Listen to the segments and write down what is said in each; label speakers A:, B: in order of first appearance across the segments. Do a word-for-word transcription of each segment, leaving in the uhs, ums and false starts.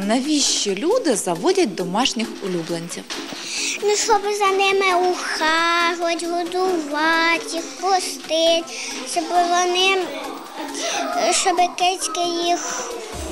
A: Навіщо люди заводять домашніх улюбленців?
B: Ну, щоб за ними ухажувати, годувати, їх пустити, щоб вони, щоб кицьки їх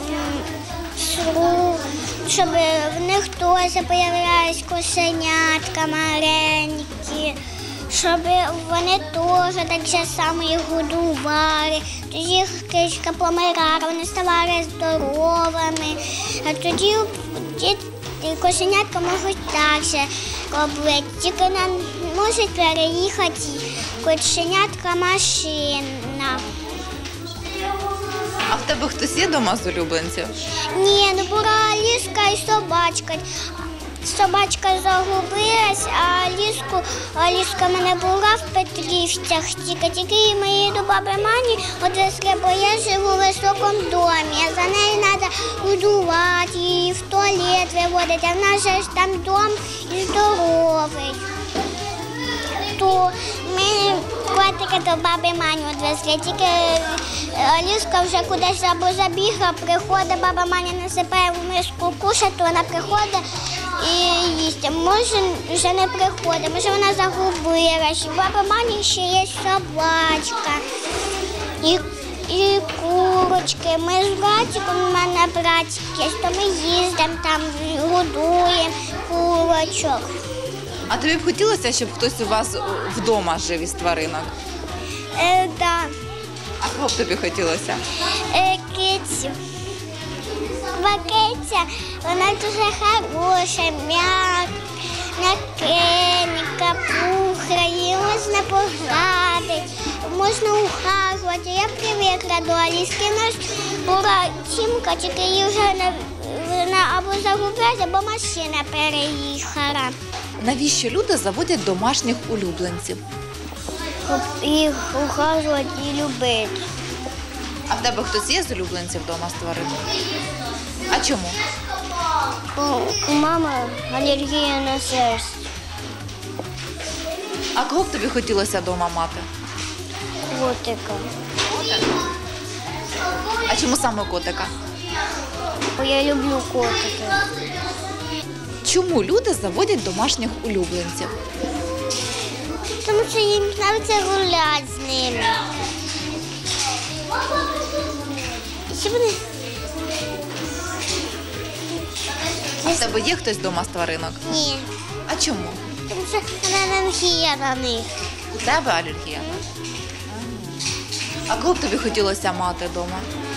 B: сру, щоб в них теж з'являлись кошенятка маленькі, щоб вони теж так же само їх годували. Тоді їх кицька помирала, вони ставали здоровими, а тоді діти кошенятка можуть так же робити, тільки нам може переїхати кошенятка машина.
A: А в тебе хтось є вдома з улюбленців?
B: Ні, ну була ліска і собачка. Собачка загубилась, а ліску, а ліска в мене була в Петрівцях, тільки тільки ми її до баби Мані відвезли, бо я живу в високому домі, а за нею треба годувати, її в туалет виводити, а в нас же там дом і здоровий. То ми котика до баби Мані відвезли, тільки ліска вже кудись або забігла, приходить, баба Маня насипає в миску кушати, то вона приходить і їсть. Може, вже не приходить, може вона загубилась. У баби Мані ще є собачка і, і курочки. Ми з братиком, у мене братик є, то ми їздимо там, годуємо курочок.
A: А тобі б хотілося, щоб хтось у вас вдома жив із тваринок?
B: Е, да.
A: А кого б тобі хотілося?
B: Е, кицю. Киця, вона дуже хороша, м'якенька, пухра, її можна погладити, можна ухажувати. Я привикла до Аліски. У нас була Тімка, тільки її вже не, вона або загубилась, або машина переїхала.
A: Навіщо люди заводять домашніх улюбленців?
B: Щоб їх ухажувати і любити.
A: А в тебе хтось є з улюбленців вдома з тваринок? А чому?
B: У мами алергія на шерсть.
A: А кого б тобі хотілося вдома мати?
B: Котика.
A: А чому саме котика?
B: Бо я люблю котики.
A: Чому люди заводять домашніх улюбленців?
B: Тому що їм подобається гуляти з ними. Ще вони...
A: А в тебе є хтось вдома з тваринок?
B: Ні.
A: А чому?
B: Тому що алергія на них.
A: У тебе алергія? А кого б тобі хотілося мати вдома?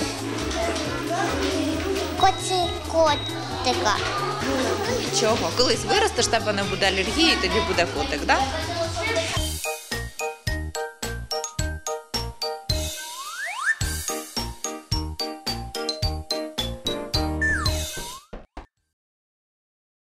B: Коці котика.
A: Чого? Колись виростеш, в тебе не буде алергії, тоді буде котик, так? Да?